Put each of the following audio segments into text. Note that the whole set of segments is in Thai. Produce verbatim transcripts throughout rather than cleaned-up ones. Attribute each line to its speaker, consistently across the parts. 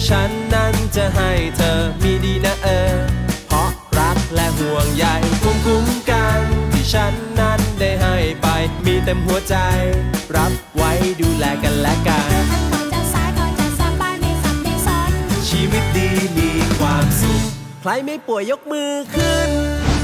Speaker 1: ฉันนั้นจะให้เธอมีดีนะเออเพราะรักและห่วงใยภูมิคุ้มกันที่ฉันนั้นได้ให้ไปมีเต็มหัวใจรับไว้ดูแลกันและกันชีวิตดีมีความสุขใครไม่ป่วยยกมือขึ้น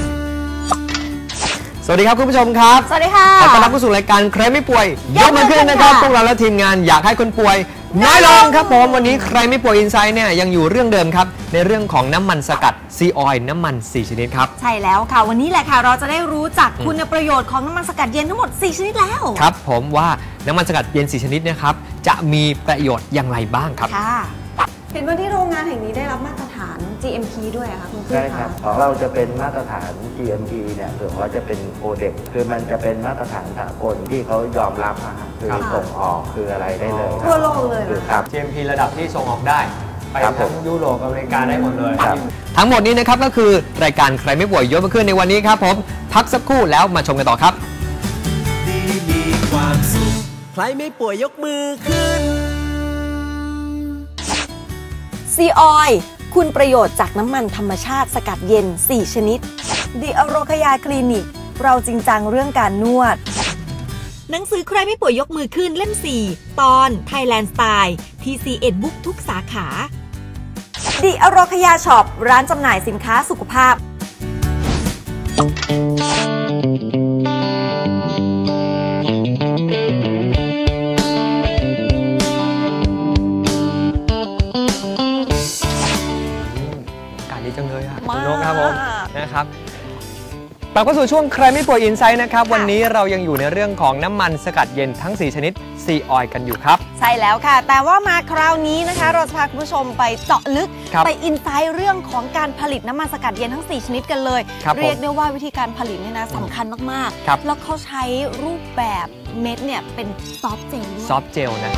Speaker 2: สวัสดีครับคุณผู้ชมครับ
Speaker 3: สวัสดีค่ะ
Speaker 2: ขอต้อนรับเข้าสู่รายการใครไม่ป่วยยกมือขึ้นนะครับพวกเราและทีมงานอยากให้คนป่วยน้อยลงครับผมวันนี้ใครไม่ป่วยอินไซด์เนี่ยยังอยู่เรื่องเดิมครับในเรื่องของน้ำมันสกัดซีออยล์น้ำมันสี่ชนิดครับ
Speaker 3: ใช่แล้วค่ะวันนี้แหละค่ะเราจะได้รู้จักคุณประโยชน์ของน้ำมันสกัดเย็นทั้งหมดสี่ชนิดแล้ว
Speaker 2: ครับผมว่าน้ำมันสกัดเย็นสี่ชนิดนะครับจะมีประโยชน์อย่างไรบ้างครับ
Speaker 3: ค่ะเห็นว่าที่โรงงานแห่งนี้ได้รับมาตรฐาน จี เอ็ม พี ด้วยค่ะคุณผู้ชม
Speaker 4: ใช่ครับของเราจะเป็นมาตรฐาน จี เอ็ม พี เนี่ยส่วนเขาจะเป็นโคเด็กคือมันจะเป็นมาตรฐานสากลที่เขายอมรับนะคือส่งออกคืออะไรได้เลย
Speaker 3: ทั่วโลกเลย
Speaker 4: ครับ
Speaker 2: จี เอ็ม พี ระดับที่ส่งออกได้ไปทั้งยุโรปอเมริกาได้หมดเลยทั้งหมดนี้นะครับก็คือรายการใครไม่ป่วยยกมือขึ้นในวันนี้ครับผมพักสักครู่แล้วมาชมกันต่อครับ
Speaker 1: ดีมีความสุขใครไม่ป่วยยกมือขึ้น
Speaker 3: ซีออยล์คุณประโยชน์จากน้ำมันธรรมชาติสกัดเย็นสี่ชนิดดิอโรคยาคลินิกเราจริงจังเรื่องการนวดหนังสือใครไม่ป่วยยกมือขึ้นเล่มสี่ตอน Thailand Style ที ซี เอ็ด Book ทุกสาขาดิอโรคยาช็อปร้านจำหน่ายสินค้าสุขภาพ
Speaker 2: จังเลยค่ะคุณนกครับผมนะครับกลับเข้าสู่ช่วงใครไม่ป่วยอินไซด์นะครับวันนี้เรายังอยู่ในเรื่องของน้ำมันสกัดเย็นทั้งสี่ชนิดซีออยล์กันอยู่ครับ
Speaker 3: ใช่แล้วค่ะแต่ว่ามาคราวนี้นะคะเราจะพาคุณผู้ชมไปเจาะลึกไปอินไซด์เรื่องของการผลิตน้ำมันสกัดเย็นทั้งสี่ชนิดกันเลยเรียกได้ว่าวิธีการผลิตเนี่ยนะสำคัญมากๆแล้วเขาใช้รูปแบบเม็ดเนี่ยเป็นซอฟต์เจล
Speaker 2: ซอฟต์เจลนะ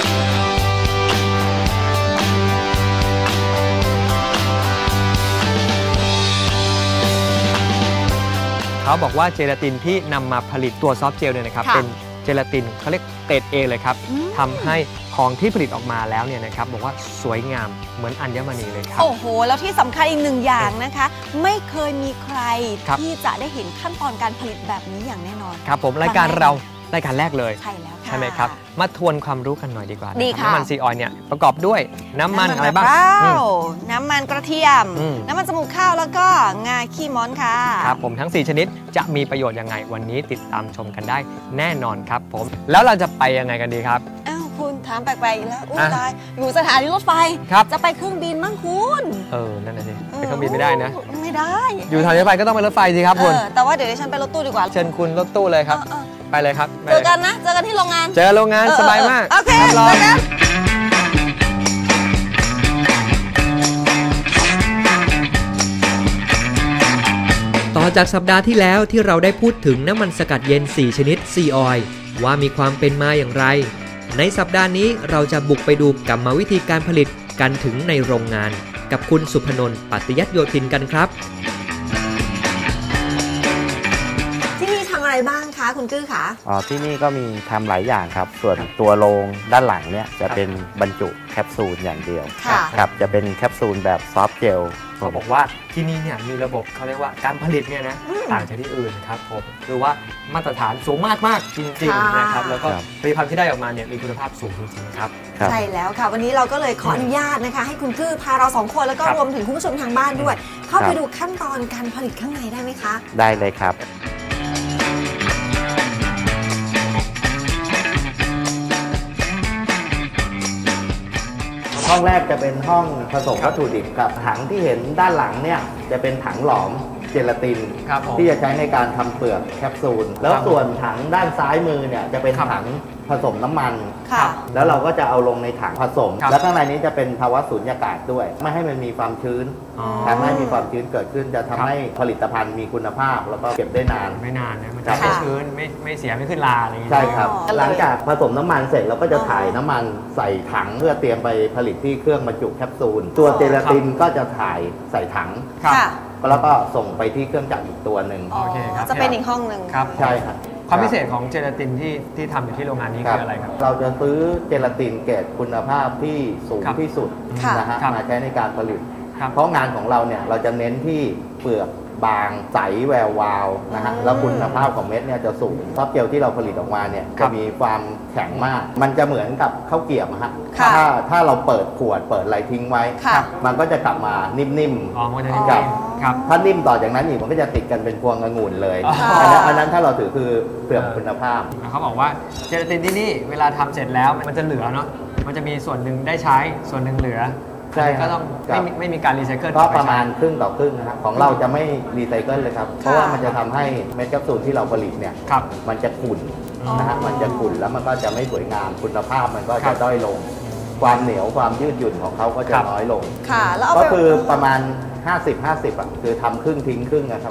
Speaker 2: เขาบอกว่าเจลาตินที่นำมาผลิตตัวซอฟต์เจลเนี่ยนะครับเป็นเจลาตินเขาเรียกเกรด เอ เลยครับทำให้ของที่ผลิตออกมาแล้วเนี่ยนะครับบอกว่าสวยงามเหมือนอัญมณีเลยครับ
Speaker 3: โอ้โหแล้วที่สำคัญอีกหนึ่งอย่างนะคะไม่เคยมีใครที่จะได้เห็นขั้นตอนการผลิตแบบนี้อย่างแน่นอน
Speaker 2: ครับผมรายการเรารายการแรกเลย
Speaker 3: ใช่แล้วค่ะ
Speaker 2: ใช่ไหมครับมาทวนความรู้กันหน่อยดีกว่า
Speaker 3: ดีค่ะ
Speaker 2: น้ำมันซีออยล์เนี่ยประกอบด้วยน้ำมันอะไรบ้าง
Speaker 3: น้ำมันกระเทียมน้ำมันจมูกข้าวแล้วก็งาขี้ม้อนค่ะ
Speaker 2: ครับผมทั้งสี่ชนิดจะมีประโยชน์ยังไงวันนี้ติดตามชมกันได้แน่นอนครับผมแล้วเราจะไปยังไงกันดีครับ
Speaker 3: อ้าวคุณถามแปลกๆอีกแล้วอุ้ยตายอยู่สถานีรถไฟจะไปเครื่องบินมั้งคุณ
Speaker 2: เออนั่นน่ะสิไปเครื่องบินไม่ได้นะ
Speaker 3: ไม่ได้
Speaker 2: อยู่สถานีรถไฟก็ต้องไปรถไฟสิครับคุณ
Speaker 3: แต่ว่าเดี๋ยวฉันไปรถตู้ดีกว่า
Speaker 2: เชิญคุณรถตู้เลยครับไปเลยครับ
Speaker 3: เจอกันนะเจอกันที่โรงงาน
Speaker 2: เจอโรงงานสบายมาก
Speaker 3: โอเครอกัน
Speaker 5: ต่อจากสัปดาห์ที่แล้วที่เราได้พูดถึงน้ำมันสกัดเย็นสี่ชนิดซีออยล์ว่ามีความเป็นมาอย่างไรในสัปดาห์นี้เราจะบุกไปดูกรรมวิธีการผลิตกันถึงในโรงงานกับคุณสุพนนท์ปัตยัตโยธินกันครับ
Speaker 3: อะไรบ้างคะคุณกื้อคะ
Speaker 4: อ๋อที่นี่ก็มีทำหลายอย่างครับส่วนตัวโรงด้านหลังเนี่ยจะเป็นบรรจุแคปซูลอย่างเดียวครับจะเป็นแคปซูลแบบซอฟต์เจล
Speaker 2: เขาบอกว่าที่นี่เนี่ยมีระบบเขาเรียกว่าการผลิตเนี่ยนะต่างจากที่อื่นครับผมคือว่ามาตรฐานสูงมากมากจริงๆนะครับแล้วก็ผลิตภัณฑ์ที่ได้ออกมาเนี่ยมีคุณภาพสูงจริงๆครับ
Speaker 3: ใช่แล้วค่ะวันนี้เราก็เลยขออนุญาตนะคะให้คุณกื้อพาเราสองคนแล้วก็รวมถึงคุณผู้ชมทางบ้านด้วยเข้าไปดูขั้นตอนการผลิตข้างในได้ไหมคะ
Speaker 4: ได้เลยครับห้องแรกจะเป็นห้องผสมวัตถุดิบกับถังที่เห็นด้านหลังเนี่ยจะเป็นถังหลอมเจลาตินที่จะใช้ในการทำเปลือกแคปซูลแล้วส่วนถังด้านซ้ายมือเนี่ยจะเป็นถังผสมน้ำมันแล้วเราก็จะเอาลงในถังผสมแล้วข้างในนี้จะเป็นภาวะสูญญากาศด้วยไม่ให้มันมีความชื้นทำให้มีความชื้นเกิดขึ้นจะทำให้ผลิตภัณฑ์มีคุณภาพแล้วก็เก็บได้นาน
Speaker 2: ไม่นานนะมันจะไม่ชื้นไม่ไม่เสียไม่ขึ้นลาอะไรอย่างเงี้ย
Speaker 4: ใช่ครับหลังจากผสมน้ำมันเสร็จเราก็จะถ่ายน้ำมันใส่ถังเพื่อเตรียมไปผลิตที่เครื่องบรรจุแคปซูลตัวเจลาตินก็จะถ่ายใส่ถังแล้วก็ส่งไปที่เครื่องจักรอีกตัวหนึ่ง
Speaker 3: จะเป็นอีกห้องหนึ่ง
Speaker 4: ใช่ครับ
Speaker 2: ความพิเศษของเจลาตินที่ที่ทำอยู่ที่โรงงานนี้คืออะไรครับ
Speaker 4: เราจะซื้อเจลาตินเกรดคุณภาพที่สูงที่สุดนะฮะมาใช้ในการผลิตเพราะงานของเราเนี่ยเราจะเน้นที่เปลือกบางใสแวววาวนะฮะแล้วคุณภาพของเม็ดเนี่ยจะสูงซอฟต์เจลที่เราผลิตออกมาเนี่ยจะมีความแข็งมากมันจะเหมือนกับข้าวเกรี๊ยวฮะถ้าถ้าเราเปิดขวดเปิดอะไรทิ้งไว้มันก็จะกลับมานิ่มๆ
Speaker 2: อ๋อมันจะนิ่มๆครับ
Speaker 4: ถ้านิ่มต่อจากนั้นอีกมันก็จะติดกันเป็นพวงองุ่นเลยอันนั้นอันนั้นถ้าเราถือคือเปลือกคุณภาพ
Speaker 2: เขาบอกว่าเจลาตินที่นี่เวลาทำเสร็จแล้วมันจะเหลือเนาะมันจะมีส่วนหนึ่งได้ใช้ส่วนหนึ่งเหลือ
Speaker 4: ใช่
Speaker 2: ก็ต้องไม่ไม่มีการรีไซเคิล
Speaker 4: ก็ประมาณครึ่งต่อครึ่งนะครับของเราจะไม่รีไซเคิลเลยครับเพราะว่ามันจะทำให้เม็ดแคปซูลที่เราผลิตเนี่ยมันจะขุ่นนะฮะมันจะขุ่นแล้วมันก็จะไม่สวยงามคุณภาพมันก็จะด้อยลงความเหนียวความยืดหยุ่นของเขาก็จะน้อยลงก็คือประมาณ ห้าสิบ ห้าสิบ อ่ะคือทำครึ่งทิ้งครึ่งนะครับ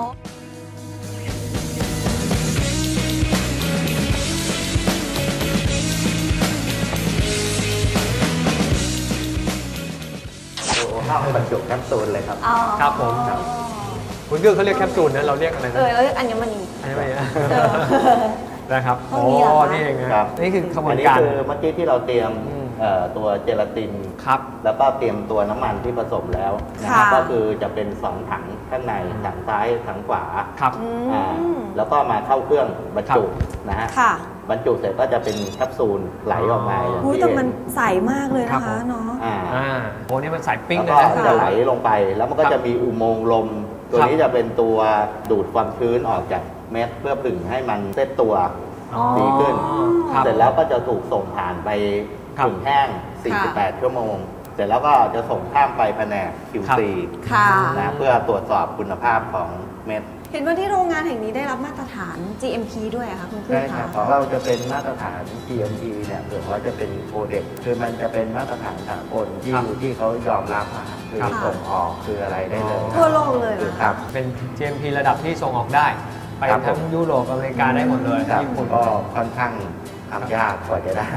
Speaker 4: เข้าบรรจุแคปซูลเลยครับ
Speaker 2: ครับผมคุณกึ้งเขาเรียกแคปซูลนะเราเรียกอะไรนะ
Speaker 3: เออเราเรียกอัญมณี
Speaker 2: อัญมณีนะครับโอ้นี่เองครับนี่คือขบวนการ
Speaker 4: อันนี้คือเมื่อกี้ที่เราเตรียมตัวเจลาตินครับแล้วก็เตรียมตัวน้ำมันที่ผสมแล้วนะครับก็คือจะเป็นสองถังข้างในถังซ้ายถังขวา
Speaker 2: ครับ
Speaker 4: แล้วก็มาเข้าเครื่องบรรจุนะฮะบรรจุเสร็จก็จะเป็นแคปซูลไหลออกมา
Speaker 3: อย่างที่แต่มันใสมากเลยนะคะเนาะ
Speaker 2: อ่าโอ้นี่มันใสปิ้ง
Speaker 4: เลยนะจะไหลลงไปแล้วมันก็จะมีอุโมงค์ลมตัวนี้จะเป็นตัวดูดความชื้นออกจากเม็ดเพื่อผึ่งให้มันเซตตัวดีขึ้นเสร็จแล้วก็จะถูกส่งผ่านไปผึ่งแห้งสี่สิบแปดชั่วโมงเสร็จแล้วก็จะส่งข้ามไปแผนก คิว ซี นะเพื่อตรวจสอบคุณภาพของเม็ด
Speaker 3: เห็นว่าที่โรงงานแห่งนี้ได้รับมาตรฐาน จี เอ็ม พี ด้วยค่ะคุณผู้ชมค่ะ
Speaker 4: ของเราจะเป็นมาตรฐาน จี เอ็ม พี เนี่ยเกิดว่าจะเป็นโคเด็กคือมันจะเป็นมาตรฐานสากลที่ที่เขายอมรับคือส่งออกคืออะไรได้เลย
Speaker 3: ทั่วโลกเลย
Speaker 4: ครับ
Speaker 2: เป็น จี เอ็ม พี ระดับที่ส่งออกได้ไปทั้งยุโรปอเมริกาได้หมดเลย
Speaker 4: ญี่ปุ่นก็ค่อนข้างทำยากกว่าจะได้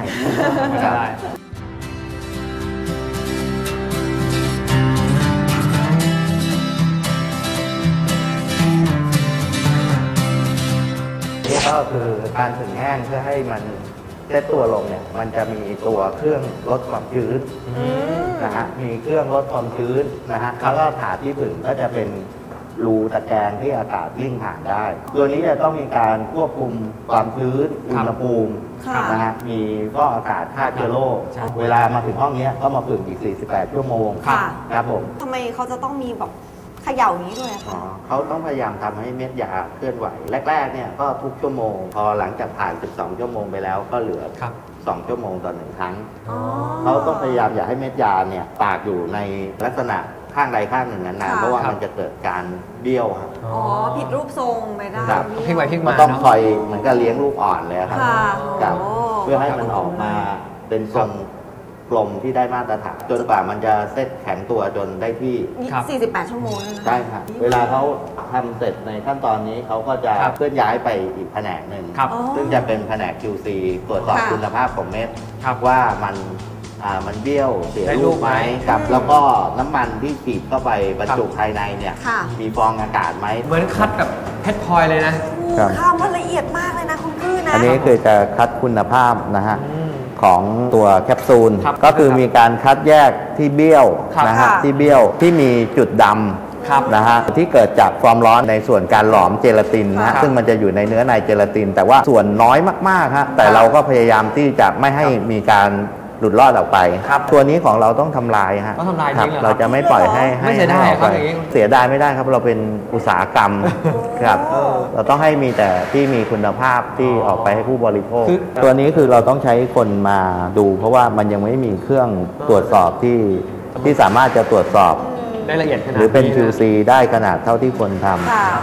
Speaker 4: นี่ก็คือการผึ่งแห้งเพื่อให้มันเซตตัวลงเนี่ยมันจะมีตัวเครื่องลดความชื้นนะฮะมีเครื่องลดความชื้นนะฮะแล้วก็ถาดที่ผึ่งก็จะเป็นรูตะแกรงที่อากาศวิ่งผ่านได้ตัวนี้จะต้องมีการควบคุมความชื้นอุณหภูมินะฮะมีก็อากาศฆ่าเชื้อโรคเวลามาถึงห้องนี้ก็มาผึ่งอีกสี่สิบแปดชั่วโมงครับผม
Speaker 3: ทำไมเขาจะต้องมีแบบเขย่านี้ด้วยคะ
Speaker 4: เขาต้องพยายามทำให้เม็ดยาเคลื่อนไหวแรกๆเนี่ยก็ทุกชั่วโมงพอหลังจากผ่านสิบสองชั่วโมงไปแล้วก็เหลือสองชั่วโมงต่อหนึ่งครั้งเขาต้องพยายามอย่าให้เม็ดยาเนี่ยตากอยู่ในลักษณะข้างใดข้างหนึ่งนานๆเพราะว่ามันจะเกิดการเบี้ยวครับ
Speaker 3: อ๋อผิดรูปทรงไปได้
Speaker 2: พลิกไปพลิกมา
Speaker 4: ต้องคอยเหมือนกับเลี้ยงลูกอ่อนเลยครับเพื่อให้มันออกมาเป็นทรงกลมที่ได้มาตรฐานจนกว่ามันจะเซตแข็งตัวจนได้ที่
Speaker 3: สี่สิบแปดชั่วโมง
Speaker 4: ใช่ครับเวลาเขาทำเสร็จในขั้นตอนนี้เขาก็จะเคลื่อนย้ายไปอีกแผนกหนึ่งซึ่งจะเป็นแผนก คิว ซี ตรวจสอบคุณภาพของเม็ดว่ามันอ่ามันเบี้ยวเสียรูปไหมกับแล้วก็น้ำมันที่ฉีดเข้าไปบรรจุภายในเนี่ยมีฟองอากาศไหม
Speaker 2: เหมือนคัดแบบเพชรพลอยเลยนะ
Speaker 3: ข้าวมันละเอียดมากเลยนะคุณพื้นนะ
Speaker 4: อันนี้คือจะคัดคุณภาพนะฮะของตัวแคปซูลก็คือมีการคัดแยกที่เบี้ยวนะฮะที่เบี้ยวที่มีจุดดำนะฮะที่เกิดจากความร้อนในส่วนการหลอมเจลาตินนะฮะซึ่งมันจะอยู่ในเนื้อในเจลาตินแต่ว่าส่วนน้อยมากๆฮะแต่เราก็พยายามที่จะไม่ให้มีการหลุดรอดออกไปตัวนี้ของเราต้องทำลายฮะ
Speaker 2: ต้องทำลายจริงเหรอ
Speaker 4: เราจะไม่ปล่อยให้
Speaker 2: ไม่เสียดายครับ
Speaker 4: เสียดายไม่ได้ครับเราเป็นอุตสาหกรรมครับเราต้องให้มีแต่ที่มีคุณภาพที่ออกไปให้ผู้บริโภคตัวนี้คือเราต้องใช้คนมาดูเพราะว่ามันยังไม่มีเครื่องตรวจสอบที่ที่สามารถจะตรวจสอบ
Speaker 2: ได้ละเอียดขนาด
Speaker 4: หรือเป็น คิว ซี ได้ขนาดเท่าที่ควรทำ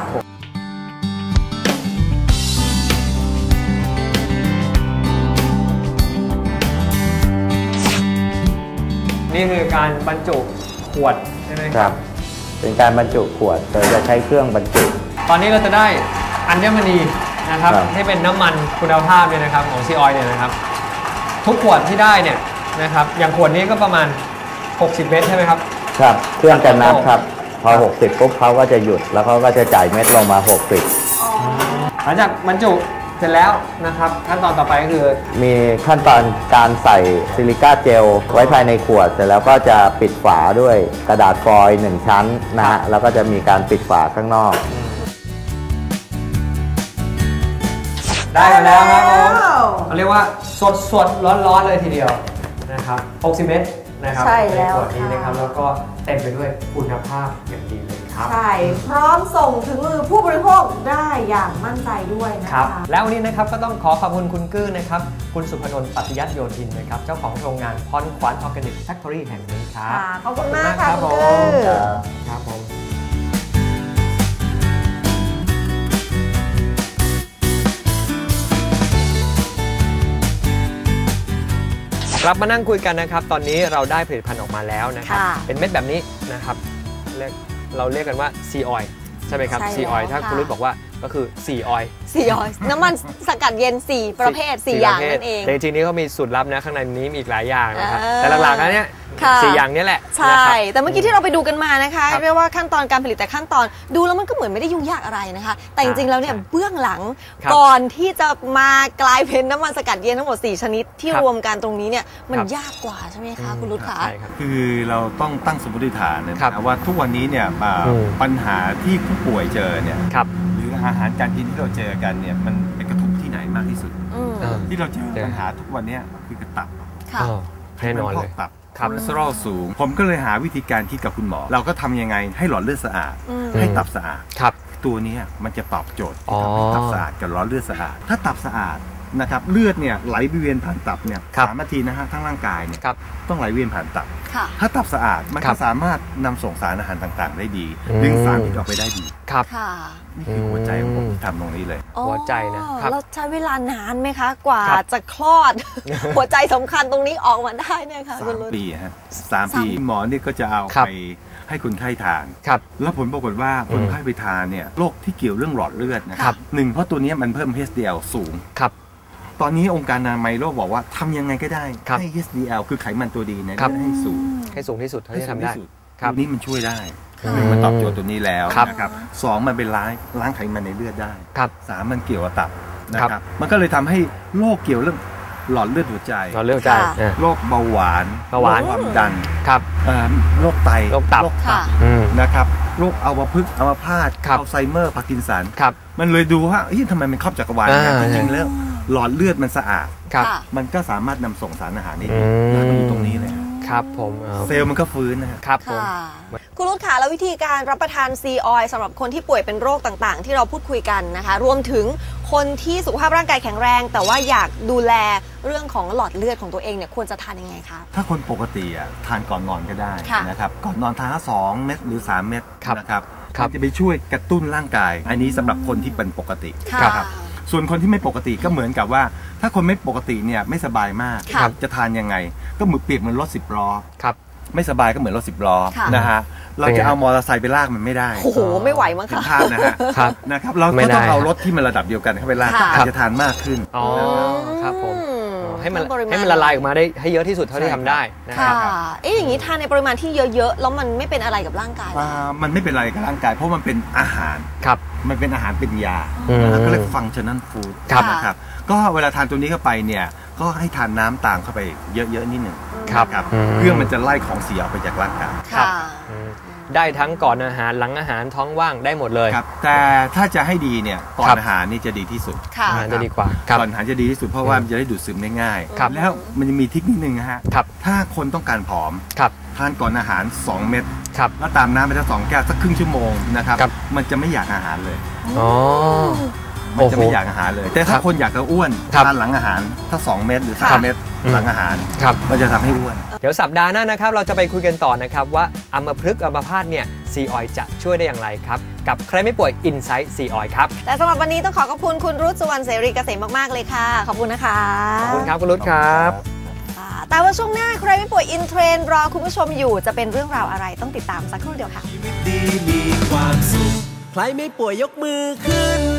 Speaker 2: นี่คือการบรรจุขวดใช่ไหม
Speaker 4: ครับเป็นการบรรจุขวดเราจะใช้เครื่องบรรจุ
Speaker 2: ตอนนี้เราจะได้อัญมณีนะครับที่เป็นน้ำมันคุณภาพเนี่ยนะครับของซีออยเนี่ยนะครับทุกขวดที่ได้เนี่ยนะครับอย่างขวดนี้ก็ประมาณหกสิบเมตรใช่ไหมครับ
Speaker 4: ครับเครื่องจะนับครับพอหกสิบปุ๊บเขาก็จะหยุดแล้วเขาก็จะจ่ายเม็ดลงมาหกสิบ
Speaker 2: หลังจากบรรจุเสร็จแล้วนะครับขั้นตอนต่อไปก็คือ
Speaker 4: มีขั้นตอนการใส่ซิลิก้าเจลไว้ภายในขวดเสร็จแล้วก็จะปิดฝาด้วยกระดาษฟอยล์หนึ่งชั้นนะฮะแล้วก็จะมีการปิดฝาข้างนอก
Speaker 2: ได้มาแล้วครับผมเขาเรียกว่าสดสดร้อนร้อนเลยทีเดียวนะครับหกสิบเมตรนะครับ
Speaker 3: ใช่แล้ว
Speaker 2: ขวดนี้นะครับแล้วก็เต็มไปด้วยคุณภาพอย่างดีเลยครับ
Speaker 3: ใช่พร้อมส่งถึงมือผู้บริโภคได้อย่างมั่นใจด้วยนะคะ
Speaker 2: แล้ววันนี้นะครับก็ต้องขอขอบคุณคุณกื้อนะครับคุณสุพนนท์ปัตยัตโยธินนะครับเจ้าของโรงงานพรขวัญออร์แกนิกแฟคทอรี่แห่งนี้ครับ
Speaker 3: ขอบคุณมากค่ะคุณกื้อ
Speaker 2: ครับผมกลับมานั่งคุยกันนะครับตอนนี้เราได้ผลิตภัณฑ์ออกมาแล้วนะครับเป็นเม็ดแบบนี้นะครับเราเรียกกันว่าซีออยล์ใช่ไหมครับซีออยล์ถ้าคุณรุ่บอกว่าก็คือซีออยล์
Speaker 3: ซีออยล์น้ำมันสกัดเย็นสี่ประเภทสี่อย่างนั่นเอง
Speaker 2: แต่จริงๆนี้เขามีสูตรลับนะข้างในนี้มีอีกหลายอย่างนะครับแต่หลักๆแล้วเนี่ยสี่อย่างนี้แหละ
Speaker 3: ใช่แต่เมื่อกี้ที่เราไปดูกันมานะคะเรียกว่าขั้นตอนการผลิตแต่ขั้นตอนดูแล้วมันก็เหมือนไม่ได้ยุ่งยากอะไรนะคะแต่จริงๆแล้วเนี่ยเบื้องหลังก่อนที่จะมากลายเป็นน้ำมันสกัดเย็นทั้งหมดสี่ชนิดที่รวมกันตรงนี้เนี่ยมันยากกว่าใช่ไหมคะคุณรุตคะ
Speaker 6: คือเราต้องตั้งสมมติฐานนะว่าทุกวันนี้เนี่ยปัญหาที่ผู้ป่วยเจอเนี่ยหรืออาหารการกินที่เราเจอกันเนี่ยมันไปกระทบที่ไหนมากที่สุดที่เราเจอปัญหาทุกวันนี้คือกระตับ
Speaker 2: แน่นอนเลย
Speaker 6: ตับคอเลสเตอรอลสูงผมก็เลยหาวิธีการคิดกับคุณหมอเราก็ทำยังไงให้หลอดเลือดสะอาดให้ตับสะอาดตัวนี้มันจะตอบโจทย์ให้ตับสะอาดกับหลอดเลือดสะอาดถ้าตับสะอาดนะครับเลือดเนี่ยไหลเวียนผ่านตับเนี่ยสามนาทีนะฮะทั้งร่างกายเนี่ยต้องไหลเวียนผ่านตับถ้าตับสะอาดมันก็สามารถนำส่งสารอาหารต่างๆได้ดีดึงสารพิษออกไปได้ดี
Speaker 2: ครับ
Speaker 6: นี่คือหัวใจของผมที่ทำตรงนี้เลย
Speaker 2: หัวใจนะครับ
Speaker 3: เราใช้เวลานานไหมคะกว่าจะคลอดหัวใจสำคัญตรงนี้ออกมาได้เนี่ยค่ะ
Speaker 6: สามปีฮะสามปีหมอเนี่ยก็จะเอาไปให้คนไข้ทานแล้วผลปรากฏว่าคนไข้ไปทานเนี่ยโรคที่เกี่ยวเรื่องหลอดเลือดนะครับหนึ่งเพราะตัวนี้มันเพิ่ม เอช ดี แอล สูงตอนนี้องค์การอนามัยโลกบอกว่าทำยังไงก็ได้ให้ เอช ดี แอล คือไขมันตัวดีเนี่ยให้สูง
Speaker 2: ให้สูงที่สุดเท่าที่ทำได้
Speaker 6: นี่มันช่วยได้มันตอบโจทย์ตัวนี้แล้วนะครับสองมันเป็นล้างล้างไขมันในเลือดได้สามมันเกี่ยวกับตับนะครับมันก็เลยทำให้โรคเกี่ยวเรื่องหลอดเลือดหัวใจ
Speaker 2: หลอดเลือดหัวใจ
Speaker 6: โรคเบาหวาน
Speaker 2: เบาหวาน
Speaker 6: ความดัน
Speaker 2: ครับ
Speaker 6: โรคไต
Speaker 2: โรคตับ
Speaker 6: นะครับโรคอัมพฤกษ์อัมพาตอัลไซเมอร์พาร์กินสันมันเลยดูว่าทำไมมันครอบจักรวาลจริงๆแล้วหลอดเลือดมันสะอาดมันก็สามารถนำส่งสารอาหารได้ดีมันอยู่ตรงนี้เลย
Speaker 2: ครับผม
Speaker 6: เซลล์มันก็ฟื้น
Speaker 2: นะครับผม
Speaker 3: คุณรุตค่ะแล้ววิธีการรับประทานซีออยล์สำหรับคนที่ป่วยเป็นโรคต่างๆที่เราพูดคุยกันนะคะรวมถึงคนที่สุขภาพร่างกายแข็งแรงแต่ว่าอยากดูแลเรื่องของหลอดเลือดของตัวเองเนี่ยควรจะทานยังไงคะ
Speaker 6: ถ้าคนปกติอ่ะทานก่อนนอนก็ได้นะครับก่อนนอนทานสองเม็ดหรือสามเม็ดนะครับจะไปช่วยกระตุ้นร่างกายอันนี้สำหรับคนที่เป็นปกติครับส่วนคนที่ไม่ปกติก็เหมือนกับว่าถ้าคนไม่ปกติเนี่ยไม่สบายมากจะทานยังไงก็เหมือนเปรียบเหมือนรถสิบล้อไม่สบายก็เหมือนรถสิบล้อนะฮะเราจะเอามอเตอร์ไซค์ไปลากมันไม่ได้
Speaker 3: โอ้โหไม่ไหวมั้ง
Speaker 6: ค่ะภาพนะฮะนะครับเราก็ต้องเอารถที่มันระดับเดียวกันเข้าไปลากอาจจะทานมากขึ้น
Speaker 2: อ๋อครับผมให้มันให้มันละลายออกมาได้ให้เยอะที่สุดเท่าที่ทำได้นะครับ
Speaker 3: เอ๊ะอย่างนี้ทานในปริมาณที่เยอะๆแล้วมันไม่เป็นอะไรกับร่างกาย
Speaker 6: มันไม่เป็นอะไรกับร่างกายเพราะมันเป็นอาหาร
Speaker 2: ครับ
Speaker 6: มันเป็นอาหารเป็นยาก็เรียกฟังก์ชันนัลฟู้ดนะครับก็เวลาทานตัวนี้เข้าไปเนี่ยก็ให้ทานน้ำตามเข้าไปเยอะๆนิดหนึ่งครับเพื่อมันจะไล่ของเสียออกไปจากร่างกาย
Speaker 2: ครับได้ทั้งก่อนอาหารหลังอาหารท้องว่างได้หมดเลย
Speaker 6: ครับแต่ถ้าจะให้ดีเนี่ยก่อนอาหารนี่จะดีที่สุด
Speaker 2: จะดีกว่า
Speaker 6: ก่อนอาหารจะดีที่สุดเพราะว่ามันจะได้ดูดซึมได้ง่ายแล้วมันจะมีทิคนิคนึงนะฮะถ้าคนต้องการผอมทานก่อนอาหารสองเม็ดแล้วตามน้ำไปสักสองแก้วสักครึ่งชั่วโมงนะครับมันจะไม่อยากอาหารเลย
Speaker 2: อ๋อ
Speaker 6: มันจะไม่อยากอาหารเลยแต่ถ้าคนอยากจะอ้วนทานหลังอาหารถ้าสองเม็ดหรือสามเม็ดหลังอาหารมันจะทำให้อ้วน
Speaker 2: เดี๋ยวสัปดาห์หน้านะครับเราจะไปคุยกันต่อนะครับว่าอัมพฤกษ์อัมพาตเนี่ยซีออยล์จะช่วยได้อย่างไรครับกับใครไม่ป่วย Insight ซีออยล์ครับ
Speaker 3: แต่สำหรับวันนี้ต้องขอขอบคุณคุณรุตสุวรรณเสรีเกษมมากๆเลยค่ะขอบคุณนะคะ
Speaker 2: ขอบคุณครับคุณรุตครับ
Speaker 3: แต่ว่าช่วงหน้าใครไม่ป่วยอินเทรนด์รอคุณผู้ชมอยู่จะเป็นเรื่องราวอะไรต้องติดตามสักครู่เดียวค่ะ
Speaker 1: ชีวิตดีมีความสุขใครไม่ป่วยยกมือขึ้น